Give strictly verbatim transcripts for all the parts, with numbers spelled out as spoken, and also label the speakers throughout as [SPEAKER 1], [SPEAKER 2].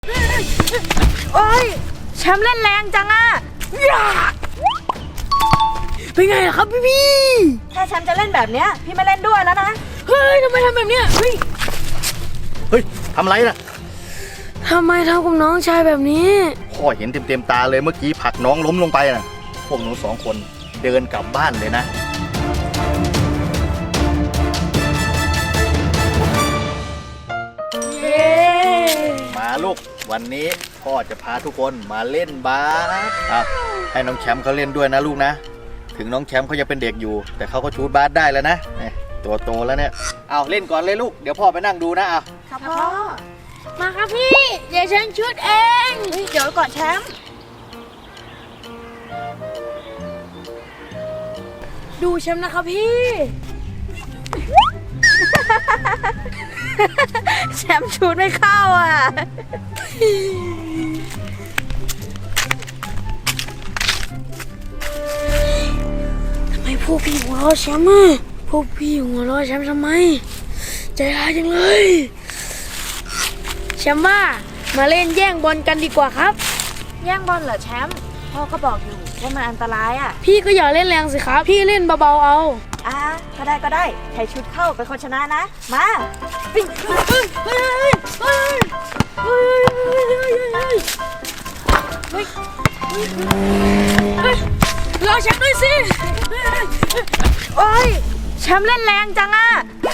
[SPEAKER 1] โอ้ยแชมป์เล่นแรงจังอะเป็นไงล่ะครับพี่พี่ถ้าแชมป์จะเล่นแบบเนี้ยพี่ไม่เล่นด้วยแล้วนะเฮ้ยทำไมทำแบบเนี้ยเฮ้ย
[SPEAKER 2] เฮ้ยทำไรน่ะ
[SPEAKER 1] ทำไมทำกับน้องชายแบบนี้
[SPEAKER 2] พ่อเห็นเต็มเต็มตาเลยเมื่อกี้ผลักน้องล้มลงไปน่ะพวกหนูสองคนเดินกลับบ้านเลยนะ
[SPEAKER 1] เย้
[SPEAKER 2] มาลูกวันนี้พ่อจะพาทุกคนมาเล่นบาสอ่ะให้น้องแชมป์เขาเล่นด้วยนะลูกนะถึงน้องแชมป์เขาจะเป็นเด็กอยู่แต่เขาก็ชูตบาสได้แล้วนะตัวโตแล้วเนี่ยเอาเล่นก่อนเลยลูกเดี๋ยวพ่อไปนั่งดูนะเอา
[SPEAKER 1] ครับพ่อมาครับพี่เดี๋ยวฉันชุดเองเดี๋ยวก่อนแชมป์ดูแชมป์นะครับพี่แชมป์ชุดไม่เข้าอ่ะทำไมพวกพี่หัวเราะแชมป์อ่ะพวกพี่หัวเราะแชมป์ทำไมใจร้ายจังเลยแชมป์ว่ามาเล่นแย่งบอลกันดีกว่าครับแย่งบอลเหรอแชมป์พ่อก็บอกอยู่ว่ามันอันตรายอ่ะพี่ก็อย่าเล่นแรงสิครับพี่เล่นเบาๆเอาอ่ะก็ได้ก็ได้ใครชุดเข้าเป็นคนชนะนะมาเฮ้ยเฮ้ยเฮ้ยเฮ้ยเฮ้ยเฮ้ยเฮ้ยรอแชมป์ด้วยสิโอ้ยแชมป์เล่นแรงจังอ่ะ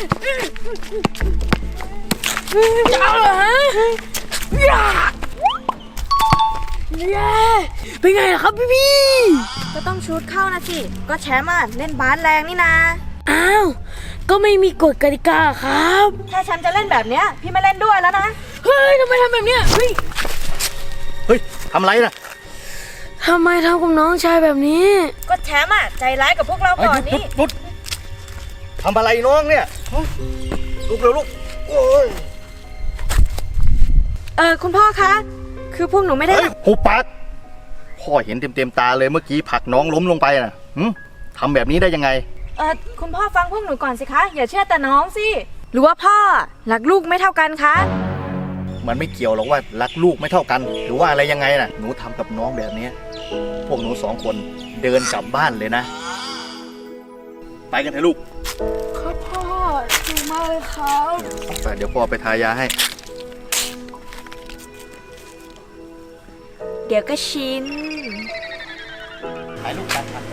[SPEAKER 1] จะเอาเหรอฮะเย้เป็นไงล่ะครับพี่พี่ก็ต้องชุดเข้านะสิก็แชมป์อ่ะเล่นบาสแรงนี่นะอ้าวก็ไม่มีกฎกติกาครับถ้าแชมป์จะเล่นแบบเนี้ยพี่ไม่เล่นด้วยแล้วนะเฮ้ยทำไมทำแบบเนี้ยเฮ้ย
[SPEAKER 2] เฮ้ยทำไรน่ะ
[SPEAKER 1] ทำไมทำกับน้องชายแบบนี้ก็แชมป์อ่ะใจร้ายกับพวกเราก่อนนี่
[SPEAKER 2] ลุดทำอะไรน้องเนี่ยลุกเร็วลุกโอ้ย
[SPEAKER 1] เออคุณพ่อคะคือพวกหนูไม่ได้
[SPEAKER 2] หุบปากพ่อเห็นเต็มเต็มตาเลยเมื่อกี้ผลักน้องล้มลงไปน่ะทำแบบนี้ได้ยังไง
[SPEAKER 1] เออคุณพ่อฟังพวกหนูก่อนสิคะอย่าเชื่อแต่น้องสิหรือว่าพ่อรักลูกไม่เท่ากันคะ
[SPEAKER 2] มันไม่เกี่ยวหรอกว่ารักลูกไม่เท่ากันหรือว่าอะไรยังไงน่ะหนูทำกับน้องแบบนี้พวกหนูสองคนเดินกลับบ้านเลยนะไปกันเถอะลูก
[SPEAKER 1] ครับพ่อดีมากเลยครับ
[SPEAKER 2] ไปเดี๋ยวพ่อไปทายาให้
[SPEAKER 1] เดี๋ยวก็ชิน
[SPEAKER 2] ถ่ายรูปกันครับ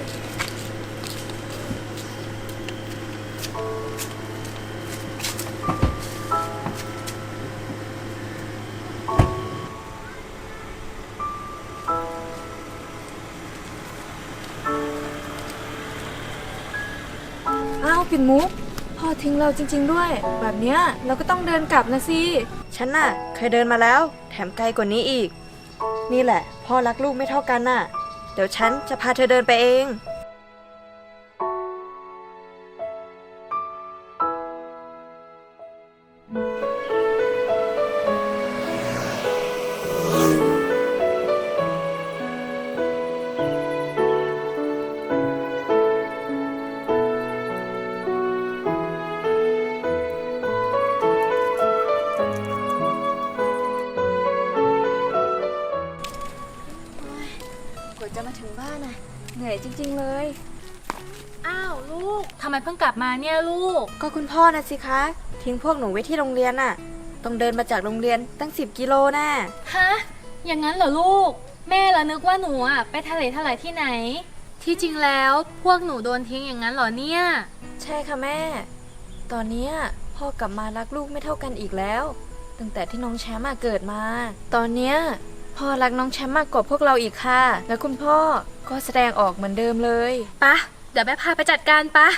[SPEAKER 1] อ้าวปิ่นมุกพ่อทิ้งเราจริงๆด้วยแบบเนี้ยเราก็ต้องเดินกลับนะสิฉันน่ะเคยเดินมาแล้วแถมไกลกว่านี้อีกนี่แหละพ่อรักลูกไม่เท่ากันน่ะเดี๋ยวฉันจะพาเธอเดินไปเองจะมาถึงบ้านน่ะเหนื่อยจริงๆเลย
[SPEAKER 3] อ้าวลูกทำไมเพิ่งกลับมาเนี่ยลูก
[SPEAKER 1] ก็คุณพ่อนะสิคะทิ้งพวกหนูไว้ที่โรงเรียนน่ะต้องเดินมาจากโรงเรียนตั้งสิบกิโลน่ะ
[SPEAKER 3] ฮะอย่างนั้นเหรอลูกแม่ละนึกว่าหนูอ่ะไปทะเลทลายที่ไหนที่จริงแล้วพวกหนูโดนทิ้งอย่างนั้นเหรอเนี่ย
[SPEAKER 1] ใช่ค่ะแม่ตอนนี้พ่อกลับมารักลูกไม่เท่ากันอีกแล้วตั้งแต่ที่น้องแชมป์เกิดมาตอนเนี้ยพ่อรักน้องแชมป์มากกว่าพวกเราอีกค่ะและคุณพ่อก็แสดงออกเหมือนเดิมเลย
[SPEAKER 3] ปะเดี๋ยวแม่พาไปจัดการปะ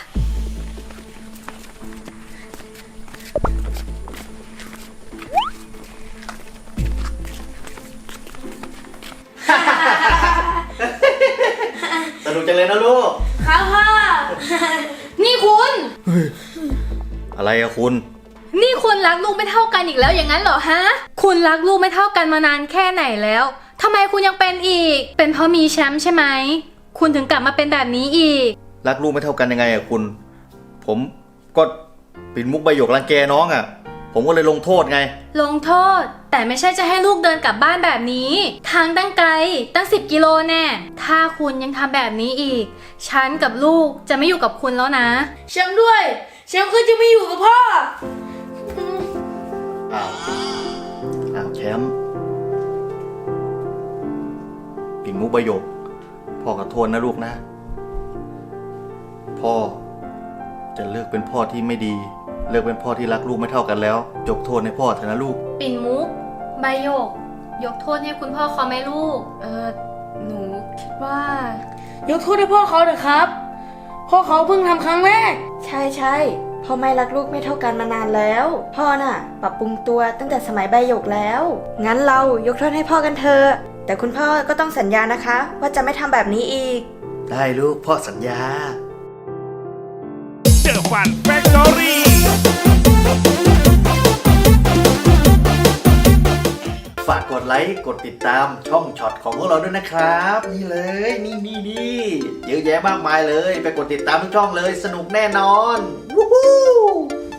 [SPEAKER 2] สนุกจังเลยนะลูก
[SPEAKER 3] ค่ะพ่อนี่คุณ
[SPEAKER 2] อะไรอะคุณ
[SPEAKER 3] นี่คุณรักลูกไม่เท่ากันอีกแล้วอย่างนั้นเหรอฮะคุณรักลูกไม่เท่ากันมานานแค่ไหนแล้วทำไมคุณยังเป็นอีกเป็นเพราะมีแชมป์ใช่ไหมคุณถึงกลับมาเป็นแบบนี้อีก
[SPEAKER 2] รักลูกไม่เท่ากันยังไงอะคุณผมก็ปิ่นมุกใบหยกรังแกน้องอะผผมก็เลยลงโทษไง
[SPEAKER 3] ลงโทษ แต่ไม่ใช่จะให้ลูกเดินกลับบ้านแบบนี้ ทางตั้งไกลตั้งสิบกิโลแน่ถ้าคุณยังทำแบบนี้อีก ฉันกับลูกจะไม่อยู่กับคุณแล้วนะ
[SPEAKER 1] แชมป์ด้วยแชมป์ก็จะไม่อยู่กับพ่อ
[SPEAKER 2] อ้าวอ้าวแชมป์ปิ่นมุกประโยคพ่อขอโทษนะลูกนะ พ่อจะเลิกเป็นพ่อที่ไม่ดี เลิกเป็นพ่อที่รักลูกไม่เท่ากันแล้วยกโทษให้พ่อเถอะนะลูก
[SPEAKER 3] ปิ่นมุกใบโยก ยกโทษให้คุณพ่อเขาไหมลูก
[SPEAKER 4] เออหนูคิดว่า
[SPEAKER 1] ยกโทษให้พ่อเขาเถอะครับ พ่อเขาเพิ่งทำครั้งแรก
[SPEAKER 4] ใช่ใช่พ่อไม่รักลูกไม่เท่ากันมานานแล้ว พ่อน่ะ ปรับปรุงตัวตั้งแต่สมัยใบหยกแล้ว งั้นเรายกโทษให้พ่อกันเถอะแต่คุณพ่อก็ต้องสัญญานะคะ ว่าจะไม่ทำแบบนี้อีก
[SPEAKER 2] ได้ลูกพ่อสัญญา
[SPEAKER 5] เจอฟันแฟคทอรี่
[SPEAKER 2] ฝากกดไลค์กดติดตามช่องช็อตของพวกเราด้วยนะครับ นี่เลยนี่นี่นี่เยอะแยะมากมายเลย ไปกดติดตามทุกช่องเลยสนุกแน่นอนวู้ฮู้